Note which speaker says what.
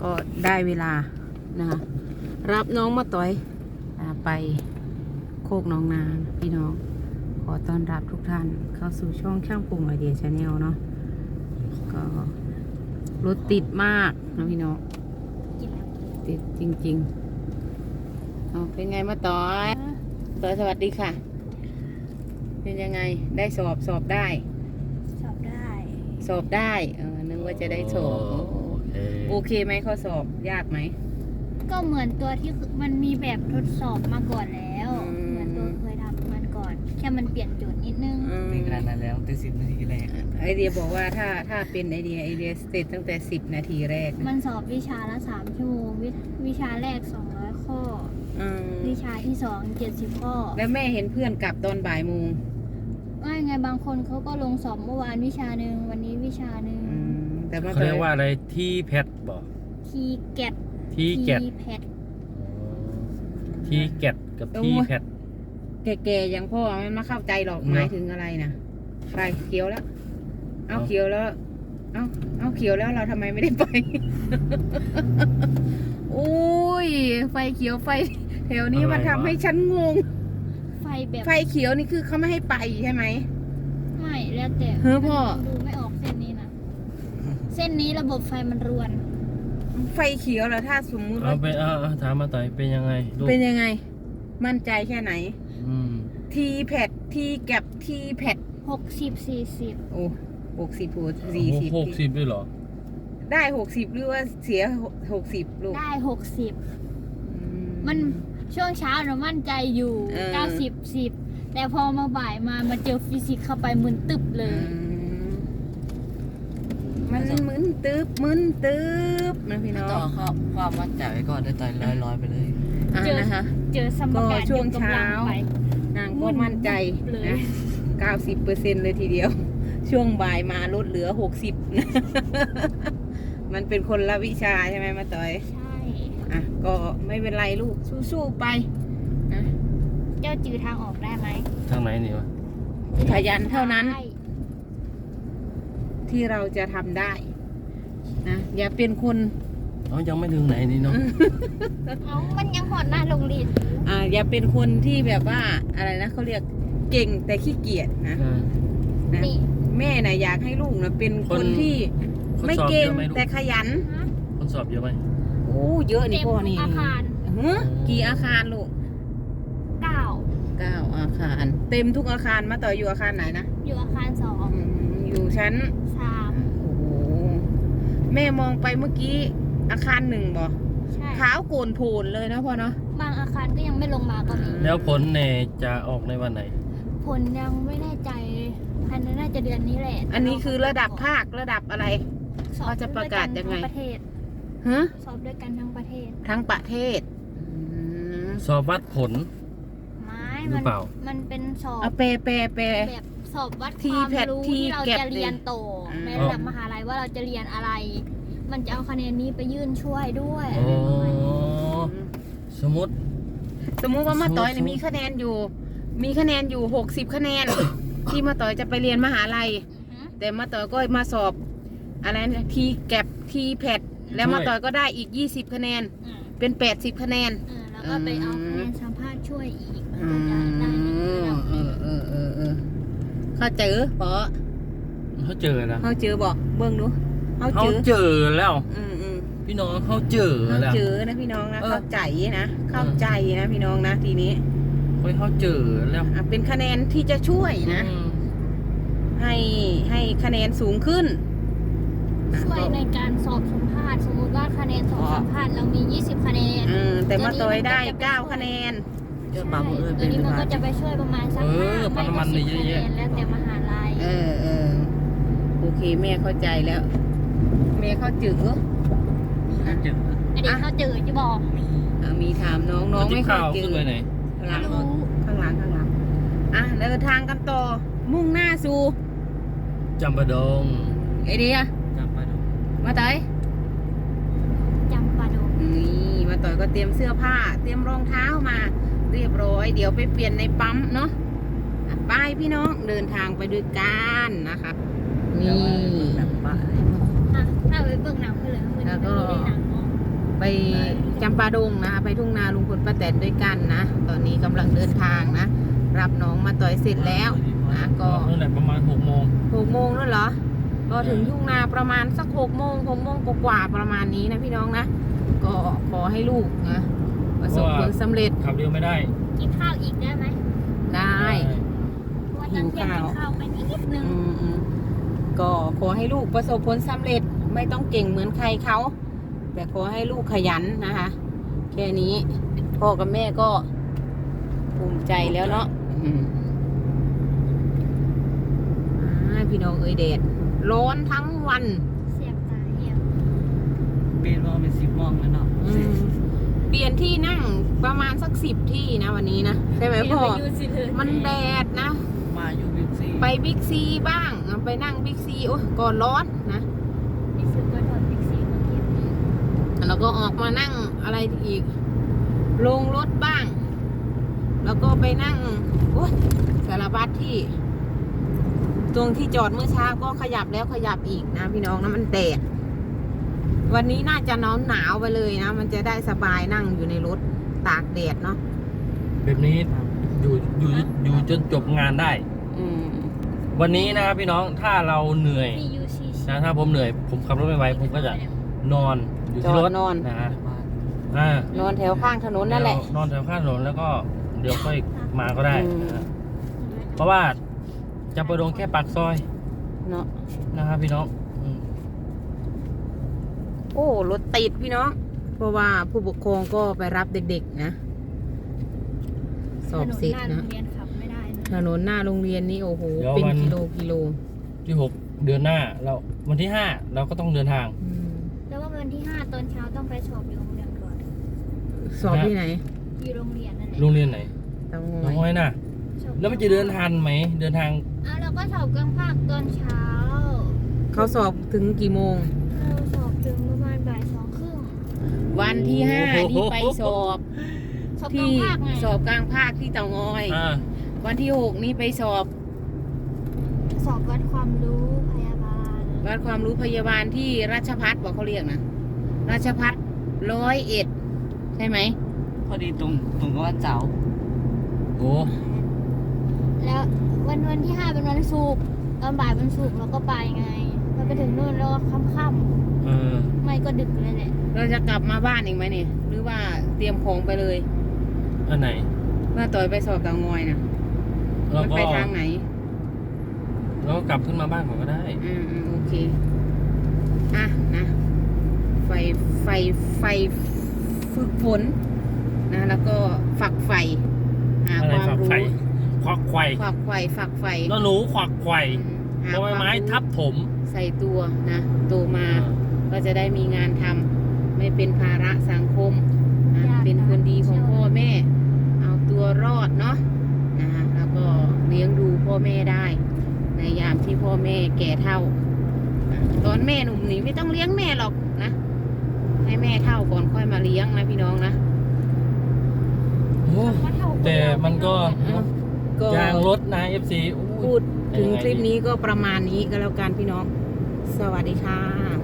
Speaker 1: ก็ได้เวลานะคะรับน้องมาต่อยไปโคกน้องนาพี่น้องขอต้อนรับทุกท่านเข้าสู่ช่องช่างปรุงไอเดียชาแนลเนาะก็รถติดมากนะพี่น้องติดจริงๆเป็นไงมาต่อยสวัสดีค่ะ เป็นยังไงได้สอบได้นึกว่าจะได้สอบโอเคไหมข้อสอบยากไหม
Speaker 2: ก็เหมือนตัวที่มันมีแบบทดสอบมาก่อนแล้วเหมือนตัวเคยทำมันก่อนแค่มันเปลี่ยนโจทย์นิดนึง
Speaker 3: ไม่ขนาดนั้นแล้วตั้ง10 นาทีแรก
Speaker 1: ไอเดียบอกว่าถ้าเป็นไอเดียเสร็จตั้งแต่10 นาทีแรก
Speaker 2: มันสอบวิชาละ3 ชั่วโมงวิชาแรก200 ข้อวิชาที่2 70 ข้อ
Speaker 1: แล้วแม่เห็นเพื่อนกลับตอนบ่ายโมง
Speaker 2: ว่าไงบางคนเขาก็ลงสอบเมื่อวานวิชาหนึ่งวันนี้วิชาหนึ่ง
Speaker 3: แต่เขาเรียกว่าอะไรที่แพทบอก
Speaker 2: ทีแกต
Speaker 3: แพทที่แกตกับที่แพท
Speaker 1: แก่ๆอย่างพ่อมันไม่เข้าใจหรอกหมายถึงอะไรนะไปเขียวแล้วเอาเขียวแล้วเอาเขียวแล้วเราทำไมไม่ได้ไปโอ้ยไฟเขียวไฟแถวนี้มันทำให้ฉันงงไฟเขียวนี่คือเขาไม่ให้ไปใช่ไหม
Speaker 2: ไม่แล้วแต่
Speaker 1: พ่อ
Speaker 2: ดูไม่ออกเส้นนี้นะเส้นนี้ระบบไฟมันรวน
Speaker 1: ไฟเขียวแล้วถ้าสมมุติ
Speaker 3: ว่าถามมาต่อยเป็นยังไง
Speaker 1: มั่นใจแค่ไหนทีแพดทีแก็บทีแพด
Speaker 2: 60 40
Speaker 1: โอ้60
Speaker 3: 40ด้วยเหรอ
Speaker 1: ได้60หรือว่าเสีย60ลูก
Speaker 2: ได้60มันช่วงเช้าเรามั่นใจอยู่90 10แต่พอมาบ่ายมาเจอฟิสิกส์เข้าไปมึนตึบเลย
Speaker 1: มันมึนตึบนะพี่น้อง
Speaker 3: ต่อครับความมั่นใจไว้ก่อนได้ต่อยร้อยไปเลย
Speaker 2: เจอสมการ
Speaker 1: ช่วงเช้านางก็มั่นใจนะ90%เลยทีเดียวช่วงบ่ายมาลดเหลือ60นะมันเป็นคนละวิชาใช่ไหมมาต่อย
Speaker 2: ใช่
Speaker 1: ก็ไม่เป็นไรลูกสู้ๆไปนะ
Speaker 2: เจ้าจือทางออกได้ไหม
Speaker 3: ทางไหนนี่วะ
Speaker 1: ขยันเท่านั้นที่เราจะทำได้นะอย่าเป็นคน
Speaker 3: ยังไม่ถึงไหนนี่เนาะ
Speaker 2: มันยังหอดหน้าโรงเรียน
Speaker 1: อย่าเป็นคนที่แบบว่าอะไรนะเขาเรียกเก่งแต่ขี้เกียจนะแม่น่ะอยากให้ลูกนะเป็นคนที่ไม่เก่งแต่ขยัน
Speaker 3: คนสอบเยอะไหม
Speaker 1: โอ้เยอะนี่พ่อนี่
Speaker 2: อาคาร
Speaker 1: กี่อาคารลูก9 อาคารเต็มทุกอาคารมาต่ออยู่อาคารไหนนะ
Speaker 2: อยู่อาคาร2
Speaker 1: อยู่ชั้น3โอ้โหแม่มองไปเมื่อกี้อาคาร1บ่ขาวโกนโผล่เลยนะพ่อเนาะ
Speaker 2: บางอาคารก็ยังไม่ลงมาก็มี
Speaker 3: แล้วผลเนี่ยจะออกในวันไหน
Speaker 2: ผลยังไม่แน่ใจภายในน่าจะเดือนนี้แหละ
Speaker 1: อันนี้คือระดับภาคระดับอะไรเขาจะประกาศยังไง
Speaker 2: สอบด้วยกันทั้งประเทศ
Speaker 3: สอบวัดผลหรือเปล่า
Speaker 2: มันเป็นสอบ
Speaker 1: เป
Speaker 2: แบบสอบวัดความรู้ที่เราจะเรียนโตในระดับมหาลัยว่าเราจะเรียนอะไรมันจะเอาคะแนนนี้ไปยื่นช่วยด้วย
Speaker 3: สมมติ
Speaker 1: ว่ามาต่อยเนี่ยมีคะแนนอยู่60 คะแนน ที่มาต่อยจะไปเรียนมหาลัยแต่มาต่อยก็มาสอบอะไรนะทีแก็บทีแพดแล้วมาต่อยก็ได้อีก20 คะแนนเป็น80 คะแนน
Speaker 2: แล้วก็ไปเอาคะแนนสัมภาษณ์ช่วยอีก
Speaker 1: เขาเจอปะ
Speaker 3: เขาเจอแล้ว
Speaker 1: เขาเจอบอกเบิ้งดู
Speaker 3: เขาเจอแล้วพี่น้องเขาเจอแล้ว
Speaker 1: นะพี่น้องนะเข้าใจนะพี่น้องนะทีนี้
Speaker 3: เขาเจอแล้ว
Speaker 1: เป็นคะแนนที่จะช่วยนะให้คะแนนสูงขึ้น
Speaker 2: ช่วยในการสอบสัมภาษณ์สมมติว่าคะแนนสอบสัมภาษณ์เรามี20 คะแนน
Speaker 1: แต่มาต่อยได้9 คะแนน
Speaker 2: ตัวนี้มันก็จะไปช่วยประมาณสัก5
Speaker 3: ประมาณนี้เยอะ
Speaker 2: ๆแล้วแต่มหาลัย
Speaker 1: โอเคแม่เข้าใจแล้วแม่เข้าจือ
Speaker 2: อันนี้เขาจือจะบอก
Speaker 1: มีถามน้องไม่เข้าจือข้างหลังเดินทางกันต่อมุ่งหน้าสู่
Speaker 3: จำปาดง
Speaker 1: ไอเดียมาต่อย
Speaker 2: จำปาดง
Speaker 1: นี่มาต่อยก็เตรียมเสื้อผ้าเตรียมรองเท้ามาเรียบร้อยเดี๋ยวไปเปลี่ยนในปั๊มเนาะไปพี่น้องเดินทางไปด้วยกันนะคะนี่
Speaker 2: ถ้าไปเบิ่งหนังเลย
Speaker 1: แล้วก็ไปจำปาดงนะคะไปทุ่งนาลุงพลป้าแตนด้วยกันนะตอนนี้กำลังเดินทางนะรับน้องมาต่อยเสร็จแล้วนะก็
Speaker 3: นั่นแหละประมาณ6 โมง
Speaker 1: 6 โมงแล้วเหรอก็ถึงทุ่งนาประมาณสัก6 โมงกว่าๆประมาณนี้นะพี่น้องนะก็ขอให้ลูกนะประสบผลสำเร็จ
Speaker 3: ขับเร็วไม่ได้
Speaker 2: กินข้าวอีกได้ไหม
Speaker 1: ได้
Speaker 2: เพราะว่าตอนเที่ยงกินข้าวไปนิดนึง
Speaker 1: อืมก็ขอให้ลูกประสบผลสำเร็จไม่ต้องเก่งเหมือนใครเขาแต่ขอให้ลูกขยันนะคะแค่นี้พ่อกับแม่ก็ภูมิใจแล้วเนาะพี่น้องเอ้ยแดดร้อนทั้งวัน
Speaker 2: เสียบตาเหี้ย
Speaker 4: เปลี่ยนว่าเป็น10 โมงแล้วเนาะ
Speaker 1: เปลี่ยนที่นั่งประมาณสัก10 ที่นะวันนี้นะใช่ไหมพ่อมันแดดนะ
Speaker 4: มาอยู่บิ๊กซี
Speaker 1: ไปบิ๊กซีบ้างไปนั่งบิ๊กซีโอ้ยก็ร้อนนะ
Speaker 2: นี่ซื้อก็ถอดบิ๊กซีมาเก็บ
Speaker 1: แล้วก็ออกมานั่งอะไรอีกลงรถบ้าง แล้วก็ไปนั่งโอ้ยสารพัดที่ ตรงที่จอดเมื่อเช้าก็ขยับแล้วขยับอีกนะพี่น้องนะมันแดดวันนี้น่าจะหนาวไปเลยนะมันจะได้สบายนั่งอยู่ในรถตากแดดเนาะ
Speaker 3: แบบนี้อยู่จนจบงานได้ วันนี้นะครับพี่น้องถ้าเราเหนื่อย
Speaker 2: มี UCC
Speaker 3: นะถ้าผมเหนื่อยผมขับรถไม่ไหวผมก็จะนอนอยู่ที่รถ
Speaker 1: นอน
Speaker 3: นะฮะ
Speaker 4: บ้าน
Speaker 1: นอนแถวข้างถนนนั่นแหละ
Speaker 3: นอนแถวข้างถนนแล้วก็เดี๋ยวค่อยมาก็ได้
Speaker 1: อืม
Speaker 3: นะฮะเพราะว่าจำปาดงแค่ปากซอย
Speaker 1: เนาะ
Speaker 3: นะครับพี่น้องอืม
Speaker 1: โอ้รถติดพี่น้องเพราะว่าผู้ปกครองก็ไปรับเด็กๆนะสอบเสร็จ
Speaker 2: ถนนหน้าโร
Speaker 1: นะ
Speaker 2: งเรียนขับไม่ได้นะ
Speaker 1: ถนนหน้าโรงเรียนนี่โอ้โหเป็นกิโล
Speaker 3: ที่6 เดือนหน้าเราวันที่5เราก็ต้องเดินทาง
Speaker 2: แล้วว่าวันที่ 5 ตอนเช้าต้องไปสอบอยู่โรงเรียนก่อน
Speaker 1: สอบที่ไหน
Speaker 2: อยู่โรงเรียนนั่นแหละ
Speaker 3: โรงเรียนไหน
Speaker 1: เตาง
Speaker 3: น้อง
Speaker 1: อ
Speaker 3: ห้อย ยน่ะ
Speaker 2: สอบ
Speaker 3: แล้วมันจะเดินทันไหมเดินทาง
Speaker 2: อ้าวเราก็สอบกลางภาคตอนเช้า
Speaker 1: เขาสอบถึงกี่โมง
Speaker 2: เราสอบถึงประมาณบ่าย2:30
Speaker 1: วันที่5นี่ไปสอบ
Speaker 2: สอบกลา
Speaker 1: ที่
Speaker 2: งภาคไง
Speaker 1: สอบกลางภาคที่เตางอย วันที่6นี่ไปสอบ
Speaker 2: สอบวัดความรู้พยาบาล
Speaker 1: วัดความรู้พยาบาลที่ราชพัฒบอกเขาเรียกนะราชพัฒ101ใช่ไหม
Speaker 4: พอดีตรงกับวันเสาร์
Speaker 3: โอ้
Speaker 2: แล้ววันที่ 5 เป็นวันศุกร์ตอนบ่ายวันศุกร์เราก็ไปไงเราไปถึงนู่นแล้วก็ค่ำ
Speaker 3: เออ
Speaker 2: ๆไม่ก็ดึกเลยแหละ
Speaker 1: เราจะกลับมาบ้านอีกไหมเนี่ยหรือว่าเตรียมของไปเลย
Speaker 3: อันไหน
Speaker 1: ว่าต่อยไปสอบเตางอยนะ
Speaker 3: เรา
Speaker 1: มัน
Speaker 3: ก็
Speaker 1: ไปทางไหน
Speaker 3: เราก็กลับขึ้นมาบ้านก่อนก็ได้
Speaker 1: โอเคอ่ะนะไฟฝึกฝนนะแล้วก็ฝักใฝ่หา
Speaker 3: อะไร
Speaker 1: ความ
Speaker 3: ฝัก
Speaker 1: รู้
Speaker 3: ไข่ควักไข่
Speaker 1: ฝักใฝ่
Speaker 3: แล้วหนูควักไข่
Speaker 1: หา
Speaker 3: ใบ
Speaker 1: ความ
Speaker 3: ไม้
Speaker 1: รู้
Speaker 3: ทับถม
Speaker 1: ใส่ตัวนะโตมาก็จะได้มีงานทำไม่เป็นภาระสังคมนะเป็นคนดีของพ่อแม่ เอาตัวรอดเนาะนะแล้วก็เลี้ยงดูพ่อแม่ได้ ในยามที่พ่อแม่แก่เฒ่าตอนแม่หนุ่มนี่ไม่ต้องเลี้ยงแม่หรอกนะ ให้แม่เฒ่าก่อนค่อยมาเลี้ยงนะพี่น้องนะ
Speaker 3: โอ้แต่มันก็
Speaker 1: ก็
Speaker 3: ยางรถนะ FC
Speaker 1: พูดถึงคลิปนี้ก็ประมาณนี้ก็แล้วกันพี่น้อง สวัสดีค่ะ